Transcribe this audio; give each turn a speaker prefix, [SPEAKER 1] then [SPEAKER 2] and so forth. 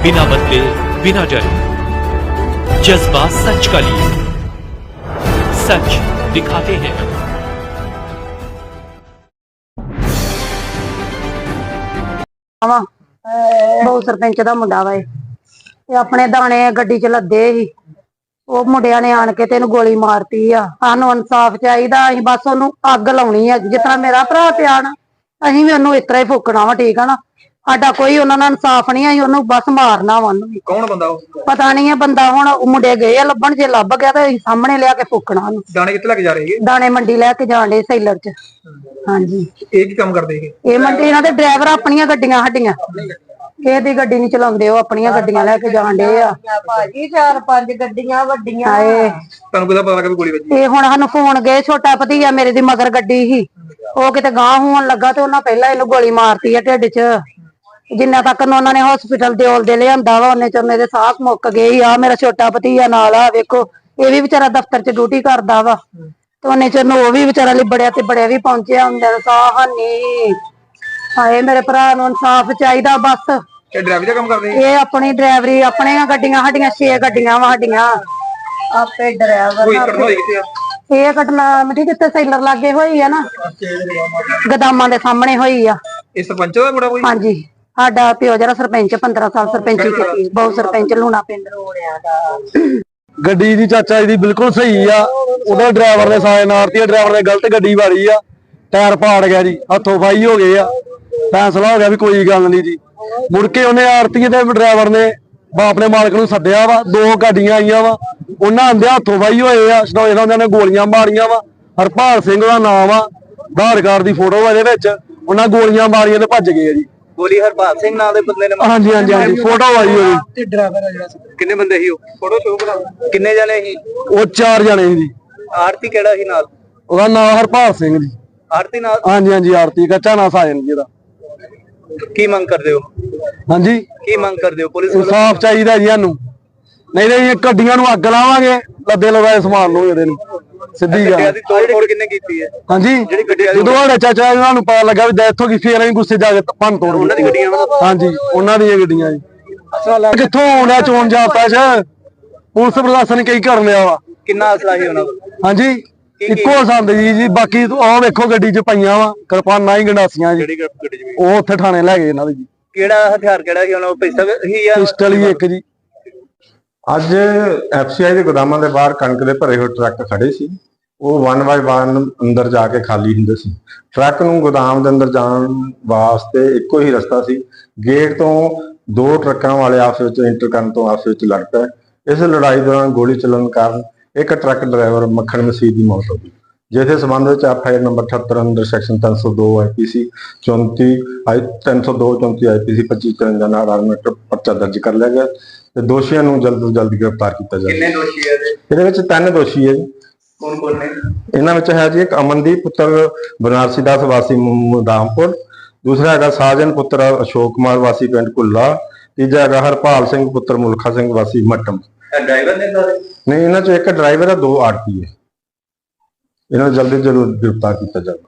[SPEAKER 1] बिना बदले बिना डरे, जज्बा सच का लिए, सच दिखाते हैं।
[SPEAKER 2] बहु सरपंच का मुंडा वा अपने दाने गड्डी च लदे ही ਉਹ ਮੁੰਡਿਆਂ ਨੇ ਆਣ ਕੇ ਤੇ ਇਹਨੂੰ ਗੋਲੀ ਮਾਰਤੀ ਆ। ਸਾਨੂੰ ਇਨਸਾਫ ਚਾਹੀਦਾ। ਅਸੀਂ ਬਸ ਉਹਨੂੰ ਅੱਗ ਲਾਉਣੀ ਆ ਜਿਸ ਤਰ੍ਹਾਂ ਮੇਰਾ ਭਰਾ ਪਿਆ ਨਾ, ਅਸੀਂ ਵੀ ਉਹਨੂੰ ਇਸ ਤਰ੍ਹਾਂ ਹੀ ਫੂਕਣਾ ਵਾ। ਠੀਕ ਆ ਨਾ, ਸਾਡਾ ਕੋਈ ਉਹਨਾਂ ਨਾਲ ਇਨਸਾਫ ਨਹੀਂ। ਅਸੀਂ ਉਹਨੂੰ ਬਸ ਮਾਰਨਾ ਵਾ। ਉਹਨੂੰ
[SPEAKER 3] ਕੌਣ ਬੰਦਾ ਉਹ?
[SPEAKER 2] ਪਤਾ ਨਹੀਂ ਹੈ ਬੰਦਾ। ਹੁਣ ਮੁੰਡੇ ਗਏ ਆ ਲੱਭਣ, ਜੇ ਲੱਭ ਗਿਆ ਤੇ ਅਸੀਂ ਸਾਹਮਣੇ ਲਿਆ ਕੇ ਫੂਕਣਾ ਉਹਨੂੰ।
[SPEAKER 3] ਦਾਣੇ ਕਿੱਥੇ ਲੈ ਕੇ ਜਾ ਰਹੇ ਹੈਗੇ?
[SPEAKER 2] ਦਾਣੇ ਮੰਡੀ ਲੈ ਕੇ ਜਾਣ ਡੇ ਸੈਲਰ ਚ। ਹਾਂਜੀ,
[SPEAKER 3] ਇਹ ਕੀ ਕੰਮ ਕਰਦੇ ਹੈਗੇ?
[SPEAKER 2] ਇਹ ਮੰਡੀ ਇਹਨਾਂ ਦੇ ਡਰਾਈਵਰ ਆਪਣੀਆਂ ਗੱਡੀਆਂ ਸਾਡੀਆਂ ਇਹਦੀ ਗੱਡੀ ਨਹੀਂ ਚਲਾਉਂਦੇ, ਉਹ ਆਪਣੀਆਂ ਗੱਡੀਆਂ ਲੈ ਕੇ ਜਾਣ ਡੇ ਆ
[SPEAKER 4] ਭਾਜੀ। 4-5 ਗੱਡੀਆਂ ਵੱਡੀਆਂ।
[SPEAKER 3] ਤੁਹਾਨੂੰ ਕਿਹਦਾ ਪਤਾ ਲੱਗਾ ਵੀ ਗੋਲੀ ਵੱਜੀ?
[SPEAKER 2] ਇਹ ਹੁਣ ਸਾਨੂੰ ਫੋਨ ਗਏ, ਛੋਟਾ ਭਤੀਆ ਮੇਰੇ ਦੀ ਮਗਰ ਗੱਡੀ ਸੀ, ਉਹ ਕਿਤੇ ਗਾਂਹ ਹੋਣ ਲੱਗਾ ਤੇ ਉਹਨਾਂ ਪਹਿਲਾਂ ਇਹਨੂੰ ਗੋਲੀ ਮਾਰਤੀ ਆ ਢਿੱਡ ਚ। ਜਿੰਨਾ ਤੱਕ ਉਹਨਾਂ ਨੇ ਹਸਪੀਟਲ ਦੇ ਲਿਆਂਦਾ ਵਾ ਉਹਨੇ ਚ ਮੇਰੇ ਸਾਹ ਮੁੱਕ ਗਏ ਆ। ਮੇਰਾ ਛੋਟਾ ਭਤੀਆ ਨਾਲ ਆ, ਵੇਖੋ ਇਹ ਵੀ ਵਿਚਾਰਾ ਦਫ਼ਤਰ ਚ ਡਿਊਟੀ ਕਰਦਾ ਵਾ ਤੇ ਉਹਨੇ ਚ ਉਹ ਵੀ ਵਿਚਾਰਾ ਲਿਬੜਿਆ ਤੇ ਬੜਿਆ ਵੀ ਪਹੁੰਚਿਆ ਹੁੰਦਾ। ਸਾਹ ਹਾਨੀ ਹਾਏ, ਮੇਰੇ ਭਰਾ ਨੂੰ ਇਨਸਾਫ ਚਾਹੀਦਾ ਬਸ।
[SPEAKER 3] ਇਹ ਡਰਾਈਵਰ ਦਾ ਕੰਮ ਕਰਦੇ?
[SPEAKER 2] ਇਹ ਆਪਣੀ ਡਰਾਈਵਰੀ, ਆਪਣੀਆਂ ਗੱਡੀਆਂ ਸਾਡੀਆਂ 6 ਗੱਡੀਆਂ ਵਾ ਸਾਡੀਆਂ।
[SPEAKER 4] ਆਪੇ ਡਰਾਈਵਰ
[SPEAKER 3] ਕੋਈ ਘਟਨਾ ਹੋਈ ਕਿੱਥੇ ਆ?
[SPEAKER 2] ਇਹ ਘਟਨਾ ਮਿੱਟੀ ਕਿੱਥੇ ਸੈਲਰ ਲਾਗੇ ਹੋਈ ਆ ਨਾ, ਗਦਾਮਾਂ ਦੇ ਸਾਹਮਣੇ ਹੋਈ ਆ।
[SPEAKER 3] ਇਹ ਸਰਪੰਚ ਦਾ ਮੁੰਡਾ ਕੋਈ?
[SPEAKER 2] ਹਾਂਜੀ, ਸਾਡਾ ਪਿਓ ਜਿਹੜਾ ਸਰਪੰਚ 15 ਸਾਲ ਸਰਪੰਚੀ ਕੀਤੀ, ਬਹੁਤ ਸਰਪੰਚ ਲੂਣਾ ਪਿੰਡ ਰੋੜਿਆ ਦਾ।
[SPEAKER 5] ਗੱਡੀ ਦੀ ਚਾਚਾ ਜੀ ਬਿਲਕੁਲ ਸਹੀ ਆ। ਉਹਦਾ ਡਰਾਈਵਰ ਨੇ ਸਾਇਨ ਮਾਰਤੀ, ਡਰਾਈਵਰ ਨੇ ਗਲਤ ਗੱਡੀ ਵਾਰੀ ਆ, ਟਾਇਰ ਪਾੜ ਗਿਆ ਜੀ, ਹੱਥੋਂ ਫਾਈ ਹੋ ਗਏ ਆ। ਫੈਸਲਾ ਹੋ ਗਿਆ ਵੀ ਕੋਈ ਗੱਲ ਨਹੀਂ ਜੀ। ਮੁੜ ਕੇ ਉਹਨੇ ਆਰਤੀ ਦੇ ਡਰਾਈਵਰ ਨੇ ਬਾਪ ਨੇ ਮਾਲਕ ਨੂੰ ਸੱਦਿਆ ਵਾ। 2 ਗੱਡੀਆਂ ਆਈਆਂ ਵਾ, ਉਹਨਾਂ ਆਂਦੇ ਹੱਥੋਂ ਫਾਈ ਹੋਏ ਆ। ਸਟੋਏ ਨਾਲ ਉਹਨਾਂ ਨੇ ਗੋਲੀਆਂ ਮਾਰੀਆਂ ਵਾ। ਹਰਪਾਲ ਸਿੰਘ ਦਾ ਨਾਮ ਆ, ਆਧਾਰ ਕਾਰਡ ਦੀ ਫੋਟੋ ਇਹਦੇ ਵਿੱਚ। ਉਹਨਾਂ ਗੋਲੀਆਂ ਮਾਰੀਆਂ ਤੇ ਭੱਜ ਗਏ ਆ ਜੀ।
[SPEAKER 3] ਗੋਲੀ ਹਰਪਾਲ ਸਿੰਘ ਨਾਂ ਦੇ ਬੰਦੇ ਨੇ?
[SPEAKER 5] ਹਾਂਜੀ ਹਾਂਜੀ ਹਾਂਜੀ, ਫੋਟੋ ਆਈ ਹੋਈ।
[SPEAKER 3] ਤੇ ਡਰਾਈਵਰ ਆ ਜਿਹੜਾ, ਕਿੰਨੇ ਬੰਦੇ ਸੀ ਉਹ? ਫੋਟੋ ਸ਼ੋਅ ਕਰਾ। ਕਿੰਨੇ ਜਣੇ ਸੀ
[SPEAKER 5] ਉਹ? 4 ਜਣੇ ਸੀ ਜੀ।
[SPEAKER 3] ਆਰਤੀ ਕਿਹੜਾ ਸੀ ਨਾਲ?
[SPEAKER 5] ਉਹਦਾ ਨਾਮ ਹਰਪਾਲ ਸਿੰਘ ਜੀ।
[SPEAKER 3] ਆਰਤੀ ਨਾਲ?
[SPEAKER 5] ਹਾਂਜੀ ਹਾਂਜੀ, ਆਰਤੀ ਕੱਚਾ ਨਾ ਸਾਜਨ ਜੀ ਉਹਦਾ।
[SPEAKER 3] ਕੀ ਮੰਗ ਕਰਦੇ ਹੋ?
[SPEAKER 5] ਹਾਂਜੀ,
[SPEAKER 3] ਕੀ ਮੰਗ ਕਰਦੇ ਹੋ? ਪੁਲਿਸ ਵੱਲੋਂ
[SPEAKER 5] ਇਨਸਾਫ ਚਾਹੀਦਾ ਜੀ ਸਾਨੂੰ। ਨਹੀਂ ਇਹ ਗੱਡੀਆਂ ਨੂੰ ਅੱਗ ਲਾਵਾਂਗੇ, ਲੱਦੇ ਲਗਾਏ ਸਮਾਨ ਨੂੰ ਇਹਦੇ ਨੂੰ। ਸਿੱਧੀ
[SPEAKER 3] ਗੱਡੀਆਂ
[SPEAKER 5] ਗੱਲ।
[SPEAKER 3] ਦੀ ਤੋੜ ਕਿੰਨੇ ਕੀਤੀ ਹੈ?
[SPEAKER 5] ਹਾਂਜੀ,
[SPEAKER 3] ਜਿਹੜੀ ਗੱਡੀਆਂ ਦੀ
[SPEAKER 5] ਜਦੋਂ ਸਾਡੇ ਚਾਚਾ ਇਹਨਾਂ ਨੂੰ ਪਤਾ ਲੱਗਾ ਵੀ ਡੈਥ ਹੋ ਗਈ, ਫੇਰ ਅਸੀਂ ਗੁੱਸੇ ਜਾ ਕੇ ਭੰਨ ਤੋੜ
[SPEAKER 3] ਉਹਨਾਂ ਦੀ ਗੱਡੀਆਂ?
[SPEAKER 5] ਹਾਂਜੀ, ਉਹਨਾਂ ਦੀਆਂ ਗੱਡੀਆਂ ਜੀ। ਕਿੱਥੋਂ ਆਉਂਦਾ ਚੋਣ ਜਾਪਦਾ ਚ? ਪੁਲਿਸ ਪ੍ਰਸ਼ਾਸਨ ਕਈ ਕਰ ਲਿਆ ਵਾ।
[SPEAKER 3] ਕਿੰਨਾ ਅਸਲਾ ਸੀ ਉਹਨਾਂ ਕੋਲ?
[SPEAKER 5] ਹਾਂਜੀ, ਇੱਕੋ ਸੰਦ ਜੀ। ਬਾਕੀ ਆਹ ਵੇਖੋ ਗੱਡੀ ਚ ਪਈਆਂ ਵਾ ਕਿਰਪਾਨਾਂ ਹੀ, ਗੰਡਾਸੀਆਂ ਜੀ।
[SPEAKER 3] ਜਿਹੜੀ ਗੱਡੀ ਚ?
[SPEAKER 5] ਉਹ ਉੱਥੇ ਥਾਣੇ ਲੈ ਗਏ ਇਹਨਾਂ ਦੇ ਜੀ।
[SPEAKER 3] ਕਿਹੜਾ ਹਥਿਆਰ ਕਿਹੜਾ ਸੀ ਉਹਨਾਂ ਕੋਲ? ਪਿਸਤਲ ਸੀ ਜਾਂ
[SPEAKER 5] ਪਿਸਟਲ ਹੀ ਇੱਕ ਜੀ।
[SPEAKER 6] ਅੱਜ ਐਫਸੀਆਈ ਦੇ ਗੋਦਾਮਾਂ ਦੇ ਬਾਹਰ ਕਣਕ ਦੇ ਭਰੇ ਹੋਏ ਟਰੱਕ ਖੜੇ ਸੀ। ਉਹ 1 ਬਾਈ 1 ਅੰਦਰ ਜਾ ਕੇ ਖਾਲੀ ਹੁੰਦੇ ਸੀ। ਟਰੱਕ ਨੂੰ ਗੋਦਾਮ ਦੇ ਅੰਦਰ ਜਾਣ ਵਾਸਤੇ ਇੱਕੋ ਹੀ ਰਸਤਾ ਸੀ। ਗੇਟ ਤੋਂ 2 ਟਰੱਕਾਂ ਵਾਲੇ ਆਪਸ ਵਿੱਚ ਇੰਟਰ ਕਰਨ ਤੋਂ ਆਪਸ ਵਿੱਚ ਲੜ ਪਏ। ਇਸ ਲੜਾਈ ਦੌਰਾਨ ਗੋਲੀ ਚੱਲਣ ਕਾਰਨ ਇੱਕ ਟਰੱਕ ਡਰਾਈਵਰ ਮੱਖਣ ਮਸੀਹ ਦੀ ਮੌਤ ਹੋ ਗਈ, ਜਿਸ ਦੇ ਸੰਬੰਧ ਵਿੱਚ ਐਫਆਈਆਰ ਨੰਬਰ 78 ਅੰਦਰ ਸੈਕਸ਼ਨ 302 ਆਈਪੀਸੀ 302 34 ਆਈਪੀਸੀ 25 53 ਨਾਲ ਆਰਮੇਟ ਪਰਚਾ ਦਰਜ ਕਰ ਲਿਆ ਗਿਆ ਤੇ ਦੋਸ਼ੀਆਂ ਨੂੰ ਜਲਦ ਤੋਂ ਜਲਦ ਗ੍ਰਿਫਤਾਰ ਕੀਤਾ ਜਾਵੇ।
[SPEAKER 3] ਕਿੰਨੇ ਦੋਸ਼ੀ ਹੈ
[SPEAKER 6] ਇਹਦੇ ਵਿੱਚ 3 ਦੋਸ਼ੀ ਹੈ ਜੀ।
[SPEAKER 3] ਕੌਣ ਕੌਣ ਨੇ?
[SPEAKER 6] ਇਹਨਾਂ ਵਿੱਚ ਹੈ ਜੀ ਇੱਕ ਅਮਨਦੀਪ ਪੁੱਤਰ ਬਨਾਰਸੀ ਦਾਸ ਵਾਸੀ ਮੁਦਾਮਪੁਰ, ਦੂਸਰਾ ਹੈਗਾ ਸਾਜਨ ਪੁੱਤਰ ਅਸ਼ੋਕ ਕੁਮਾਰ ਵਾਸੀ ਪਿੰਡ ਕੁੱਲਾ, ਤੀਜਾ ਹੈਗਾ ਹਰਪਾਲ ਸਿੰਘ ਪੁੱਤਰ ਮੁਲਖਾ ਸਿੰਘ ਵਾਸੀ ਮੱਟਮ।
[SPEAKER 3] ਡਰਾਈਵਰ ਨੇ ਸਾਰੇ?
[SPEAKER 6] ਨਹੀਂ, ਇਹਨਾਂ ਚੋਂ ਇੱਕ ਡਰਾਈਵਰ ਹੈ, 2 ਆਰਪੀ ਹੈ। ਇਹਨਾਂ ਨੂੰ ਜਲਦੀ ਤੋਂ ਜਲਦ ਗ੍ਰਿਫਤਾਰ ਕੀਤਾ ਜਾਵੇ।